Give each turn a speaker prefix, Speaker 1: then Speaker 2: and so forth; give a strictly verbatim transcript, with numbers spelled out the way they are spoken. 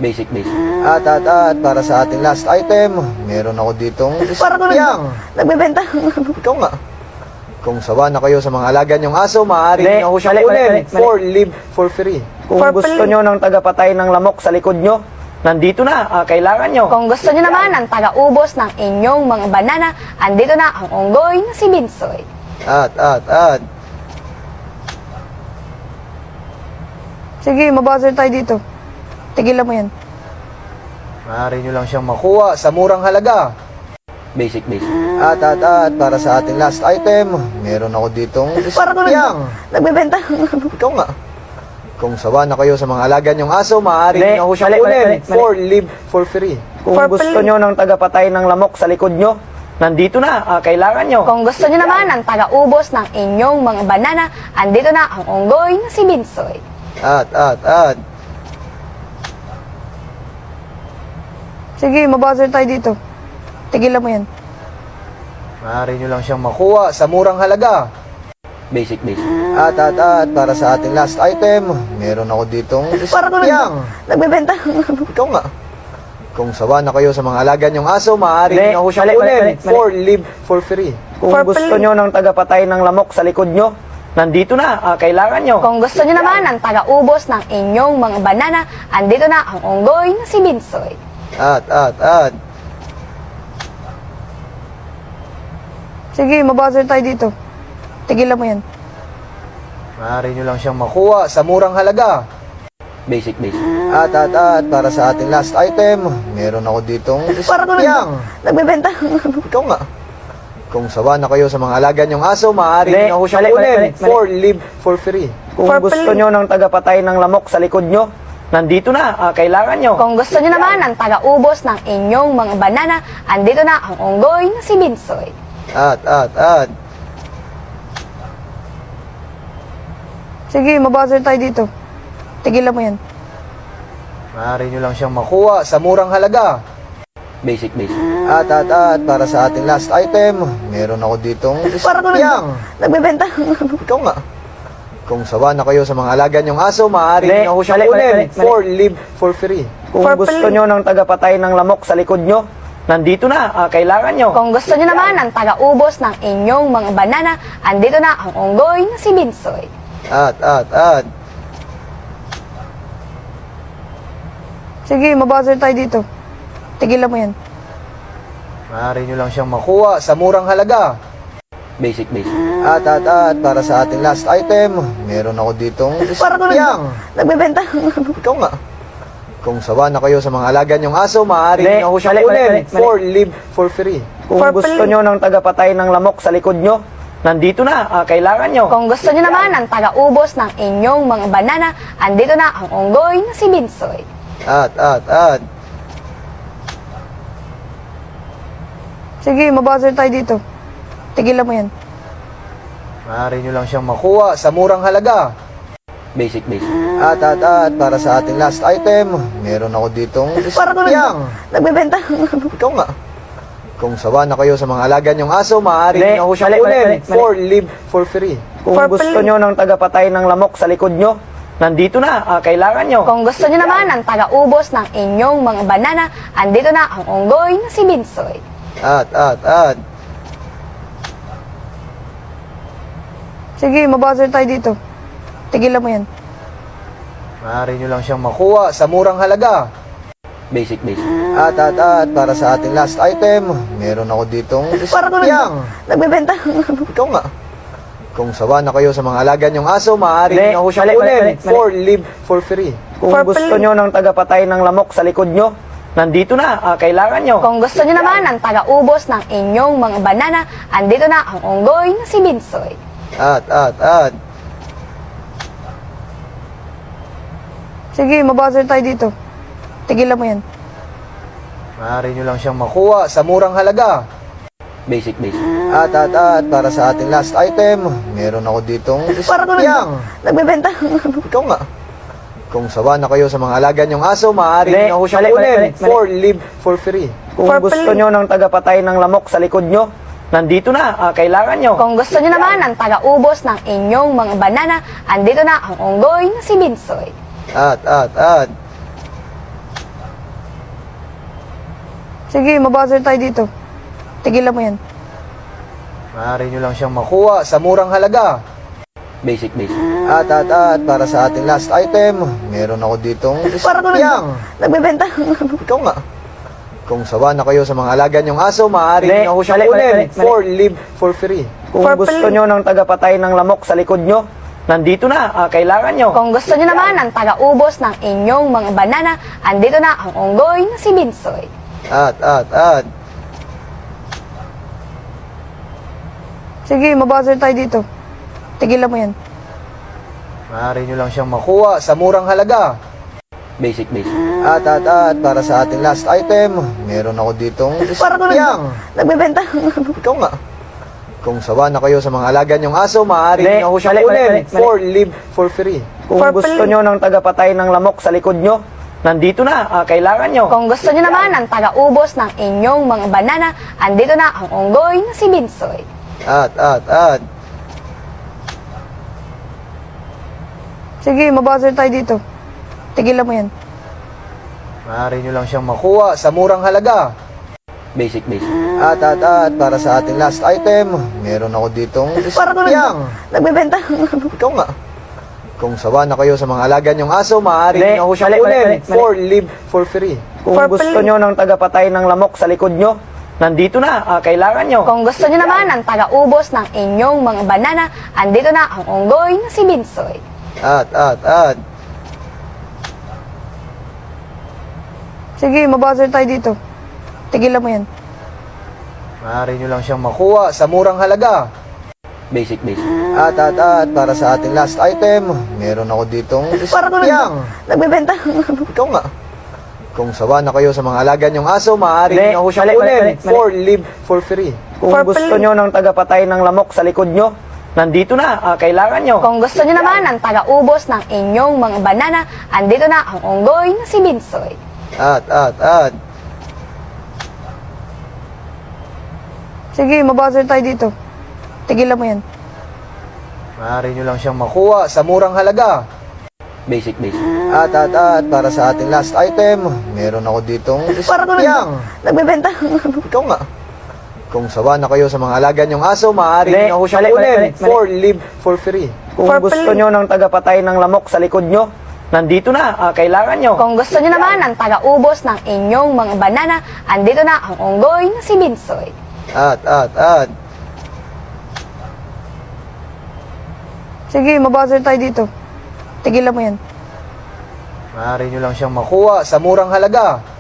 Speaker 1: Basic, basic.
Speaker 2: At, at, at, para sa ating last item, meron ako ditong
Speaker 3: Para ko
Speaker 2: yang.
Speaker 3: nagbebenta.
Speaker 2: Ikaw nga. Kung sawa na kayo sa mga alaga niyong aso, maaari
Speaker 3: Mali,
Speaker 2: niyo ako siyang
Speaker 3: mali, mali,
Speaker 2: kunin
Speaker 3: mali, mali.
Speaker 2: for live for free.
Speaker 3: Kung
Speaker 4: For
Speaker 3: gusto
Speaker 4: play.
Speaker 3: nyo ng tagapatay ng lamok sa likod nyo, nandito na, ah, kailangan nyo.
Speaker 4: Kung gusto nyo naman ang taga-ubos ng inyong mga banana, andito na ang unggoy na si Binsoy.
Speaker 2: At, at, at.
Speaker 4: Sige, mabuzzer tayo dito. Tigilan mo yan.
Speaker 2: Maaari niyo lang siyang makuha sa murang halaga.
Speaker 1: Basic, basic.
Speaker 2: At, at, at, para sa ating last item, meron ako ditong
Speaker 3: Para ko
Speaker 2: yang.
Speaker 4: Nagbebenta.
Speaker 2: Ikaw nga. Kung sawa na kayo sa mga alaga niyong aso, maaari
Speaker 3: Mali,
Speaker 2: niyo ako siyang
Speaker 3: mali, mali,
Speaker 2: kunin
Speaker 3: mali, mali.
Speaker 2: for live for free.
Speaker 3: Kung
Speaker 4: For
Speaker 3: gusto
Speaker 4: play.
Speaker 3: nyo ng tagapatay ng lamok sa likod nyo, nandito na, ah, kailangan nyo.
Speaker 4: Kung gusto nyo naman ang taga-ubos ng inyong mga banana, andito na ang unggoy na si Binsoy.
Speaker 2: At, at, at.
Speaker 4: Sige, mabuzzer tayo dito. Tigilan mo yan.
Speaker 2: Maaari niyo lang siyang makuha sa murang halaga.
Speaker 1: Basic, basic.
Speaker 2: At, at, at, para sa ating last item, meron ako ditong
Speaker 3: Para ko
Speaker 2: yang.
Speaker 4: Nagbebenta.
Speaker 2: Ikaw nga. Kung sawa na kayo sa mga alaga niyong aso, maaari
Speaker 3: Mali,
Speaker 2: niyo ako siyang
Speaker 3: mali, mali,
Speaker 2: kunin
Speaker 3: mali, mali.
Speaker 2: for live for free.
Speaker 3: Kung
Speaker 4: For
Speaker 3: gusto
Speaker 4: play.
Speaker 3: nyo ng tagapatay ng lamok sa likod nyo, nandito na, ah, kailangan nyo.
Speaker 4: Kung gusto nyo naman ang taga-ubos ng inyong mga banana, andito na ang unggoy na si Binsoy.
Speaker 2: At, at, at.
Speaker 4: Sige, mabuzzer tayo dito. Tigilan mo yan.
Speaker 2: Maaari niyo lang siyang makuha sa murang halaga.
Speaker 1: Basic, basic.
Speaker 2: At, at, at, para sa ating last item, meron ako ditong
Speaker 3: Para ko
Speaker 2: yang.
Speaker 4: Nagbebenta.
Speaker 2: Ikaw nga. Kung sawa na kayo sa mga alaga niyong aso, maaari
Speaker 3: Mali,
Speaker 2: niyo ako siyang
Speaker 3: mali, mali,
Speaker 2: kunin
Speaker 3: mali, mali.
Speaker 2: for live for free.
Speaker 3: Kung
Speaker 4: For
Speaker 3: gusto
Speaker 4: play.
Speaker 3: nyo ng tagapatay ng lamok sa likod nyo, nandito na, ah, kailangan nyo.
Speaker 4: Kung gusto nyo naman ang taga-ubos ng inyong mga banana, andito na ang unggoy na si Binsoy.
Speaker 2: At, at, at.
Speaker 4: Sige, mabuzzer tayo dito. Tigilan mo yan.
Speaker 2: Maaari niyo lang siyang makuha sa murang halaga.
Speaker 1: Basic, basic.
Speaker 2: At, at, at, para sa ating last item, meron ako ditong
Speaker 3: Para ko
Speaker 2: yang.
Speaker 4: Nagbebenta.
Speaker 2: Ikaw nga. Kung sawa na kayo sa mga alaga niyong aso, maaari
Speaker 3: Mali,
Speaker 2: niyo ako siyang
Speaker 3: mali, mali,
Speaker 2: kunin
Speaker 3: mali, mali.
Speaker 2: for live for free.
Speaker 3: Kung
Speaker 4: For
Speaker 3: gusto
Speaker 4: play.
Speaker 3: nyo ng tagapatay ng lamok sa likod nyo, nandito na, ah, kailangan nyo.
Speaker 4: Kung gusto nyo naman ang taga-ubos ng inyong mga banana, andito na ang unggoy na si Binsoy.
Speaker 2: At, at, at.
Speaker 4: Sige, mabuzzer tayo dito. Tigilan mo yan.
Speaker 2: Maaari niyo lang siyang makuha sa murang halaga.
Speaker 1: Basic, basic.
Speaker 2: At, at, at, para sa ating last item, meron ako ditong
Speaker 3: Para ko
Speaker 2: yang.
Speaker 4: Nagbebenta.
Speaker 2: Ikaw nga. Kung sawa na kayo sa mga alaga niyong aso, maaari
Speaker 3: Mali,
Speaker 2: niyo ako siyang
Speaker 3: mali, mali,
Speaker 2: kunin
Speaker 3: mali, mali.
Speaker 2: for live for free.
Speaker 3: Kung
Speaker 4: For
Speaker 3: gusto
Speaker 4: play.
Speaker 3: nyo ng tagapatay ng lamok sa likod nyo, nandito na, ah, kailangan nyo.
Speaker 4: Kung gusto nyo naman ang taga-ubos ng inyong mga banana, andito na ang unggoy na si Binsoy.
Speaker 2: At, at, at.
Speaker 4: Sige, mabuzzer tayo dito. Tigilan mo yan.
Speaker 2: Maaari niyo lang siyang makuha sa murang halaga.
Speaker 1: Basic, basic.
Speaker 2: At, at, at, para sa ating last item, meron ako ditong
Speaker 3: Para ko
Speaker 2: yang.
Speaker 4: Nagbebenta.
Speaker 2: Ikaw nga. Kung sawa na kayo sa mga alaga niyong aso, maaari
Speaker 3: Mali,
Speaker 2: niyo ako siyang
Speaker 3: mali, mali,
Speaker 2: kunin
Speaker 3: mali, mali.
Speaker 2: for live for free.
Speaker 3: Kung
Speaker 4: For
Speaker 3: gusto
Speaker 4: play.
Speaker 3: nyo ng tagapatay ng lamok sa likod nyo, nandito na, ah, kailangan nyo.
Speaker 4: Kung gusto nyo naman ang taga-ubos ng inyong mga banana, andito na ang unggoy na si Binsoy.
Speaker 2: At, at, at.
Speaker 4: Sige, mabuzzer tayo dito. Tigilan mo yan.
Speaker 2: Maaari niyo lang siyang makuha sa murang halaga.
Speaker 1: Basic, basic.
Speaker 2: At, at, at, para sa ating last item, meron ako ditong
Speaker 3: Para ko
Speaker 2: yang.
Speaker 4: Nagbebenta.
Speaker 2: Ikaw nga. Kung sawa na kayo sa mga alaga niyong aso, maaari
Speaker 3: Mali,
Speaker 2: niyo ako siyang
Speaker 3: mali, mali,
Speaker 2: kunin
Speaker 3: mali, mali.
Speaker 2: for live for free.
Speaker 3: Kung
Speaker 4: For
Speaker 3: gusto
Speaker 4: play.
Speaker 3: nyo ng tagapatay ng lamok sa likod nyo, nandito na, ah, kailangan nyo.
Speaker 4: Kung gusto nyo naman ang taga-ubos ng inyong mga banana, andito na ang unggoy na si Binsoy.
Speaker 2: At, at, at.
Speaker 4: Sige, mabuzzer tayo dito. Tigilan mo yan.
Speaker 2: Maaari niyo lang siyang makuha sa murang halaga.
Speaker 1: Basic, basic.
Speaker 2: At, at, at, para sa ating last item, meron ako ditong
Speaker 3: Para ko
Speaker 2: yang.
Speaker 4: Nagbebenta.
Speaker 2: Ikaw nga. Kung sawa na kayo sa mga alaga niyong aso, maaari
Speaker 3: Mali,
Speaker 2: niyo ako siyang
Speaker 3: mali, mali,
Speaker 2: kunin
Speaker 3: mali, mali.
Speaker 2: for live for free.
Speaker 3: Kung
Speaker 4: For
Speaker 3: gusto
Speaker 4: play.
Speaker 3: nyo ng tagapatay ng lamok sa likod nyo, nandito na, ah, kailangan nyo.
Speaker 4: Kung gusto nyo naman ang taga-ubos ng inyong mga banana, andito na ang unggoy na si Binsoy.
Speaker 2: At, at, at.
Speaker 4: Sige, mabuzzer tayo dito. Tigilan mo yan.
Speaker 2: Maaari nyo lang siyang makuha sa murang halaga.
Speaker 1: Basic, basic.
Speaker 2: At, at, at, para sa ating last item, meron ako ditong
Speaker 4: Para ko
Speaker 2: isang
Speaker 4: nagbebenta.
Speaker 2: Ikaw nga. Kung sawa na kayo sa mga alaga nyong aso, maaari
Speaker 3: Mali,
Speaker 2: nyo ako siyang
Speaker 3: mali, mali,
Speaker 2: kunin
Speaker 3: mali, mali.
Speaker 2: for live for free.
Speaker 3: Kung
Speaker 4: Purple.
Speaker 3: gusto nyo ng tagapatay ng lamok sa likod nyo, nandito na, ah, kailangan nyo.
Speaker 4: Kung gusto nyo naman ang taga-ubos ng inyong mga banana, andito na ang unggoy na si Binsoy.
Speaker 2: At, at, at,
Speaker 4: Sige, mabuzzer tayo dito. Tigilan mo yan.
Speaker 2: maaari nyo lang siyang makuha sa murang halaga.
Speaker 1: Basic, basic.
Speaker 2: At, at, at, para sa ating last item, meron ako ditong
Speaker 4: Para ko
Speaker 2: isang
Speaker 4: nagbebenta.
Speaker 2: Ikaw nga. Kung sawa na kayo sa mga alaga nyong aso, maaari
Speaker 3: Mali,
Speaker 2: nyo ako siyang
Speaker 3: mali, mali,
Speaker 2: kunin
Speaker 3: mali, mali.
Speaker 2: for live for free.
Speaker 3: Kung
Speaker 4: Purple.
Speaker 3: gusto nyo ng tagapatay ng lamok sa likod nyo, nandito na, ah, kailangan nyo.
Speaker 4: Kung gusto nyo naman ang taga-ubos ng inyong mga banana, andito na ang unggoy na si Binsoy.
Speaker 2: At, at, at,
Speaker 4: Sige, mabuzzer tayo dito. Tigilan mo yan.
Speaker 2: maaari nyo lang siyang makuha sa murang halaga.
Speaker 1: Basic, basic.
Speaker 2: At, at, at, para sa ating last item, meron ako ditong
Speaker 4: Para ko
Speaker 2: isang
Speaker 4: nagbebenta.
Speaker 2: Ikaw nga. Kung sawa na kayo sa mga alaga nyong aso, maaari
Speaker 3: Mali,
Speaker 2: nyo ako siyang
Speaker 3: mali, mali,
Speaker 2: kunin
Speaker 3: mali, mali.
Speaker 2: for live for free.
Speaker 3: Kung
Speaker 4: Purple.
Speaker 3: gusto nyo ng tagapatay ng lamok sa likod nyo, nandito na, ah, kailangan nyo.
Speaker 4: Kung gusto nyo naman ang taga-ubos ng inyong mga banana, andito na ang unggoy na si Binsoy.
Speaker 2: At, at, at,
Speaker 4: Sige, mabuzzer tayo dito. Tigilan mo yan.
Speaker 2: maaari nyo lang siyang makuha sa murang halaga.
Speaker 1: Basic, basic.
Speaker 2: At, at, at, para sa ating last item, meron ako ditong
Speaker 4: Para ko
Speaker 2: isang
Speaker 4: nagbebenta.
Speaker 2: Ikaw nga. Kung sawa na kayo sa mga alaga nyong aso, maaari
Speaker 3: Mali,
Speaker 2: nyo ako siyang
Speaker 3: mali, mali,
Speaker 2: kunin
Speaker 3: mali, mali.
Speaker 2: for live for free.
Speaker 3: Kung
Speaker 4: Purple.
Speaker 3: gusto nyo ng tagapatay ng lamok sa likod nyo, nandito na, ah, kailangan nyo.
Speaker 4: Kung gusto nyo naman ang taga-ubos ng inyong mga banana, andito na ang unggoy na si Binsoy.
Speaker 2: At, at, at,
Speaker 4: Sige, mabuzzer tayo dito. Tigilan mo yan.
Speaker 2: maaari nyo lang siyang makuha sa murang halaga.
Speaker 1: Basic, basic.
Speaker 2: At, at, at, para sa ating last item, meron ako ditong
Speaker 4: Para ko
Speaker 2: isang
Speaker 4: nagbebenta.
Speaker 2: Ikaw nga. Kung sawa na kayo sa mga alaga nyong aso, maaari
Speaker 3: Mali,
Speaker 2: nyo ako siyang
Speaker 3: mali, mali,
Speaker 2: kunin
Speaker 3: mali, mali.
Speaker 2: for live for free.
Speaker 3: Kung
Speaker 4: Purple.
Speaker 3: gusto nyo ng tagapatay ng lamok sa likod nyo, nandito na, ah, kailangan nyo.
Speaker 4: Kung gusto nyo naman ang taga-ubos ng inyong mga banana, andito na ang unggoy na si Binsoy.
Speaker 2: At, at, at,
Speaker 4: Sige, mabuzzer tayo dito. Tigilan mo yan.
Speaker 2: maaari nyo lang siyang makuha sa murang halaga.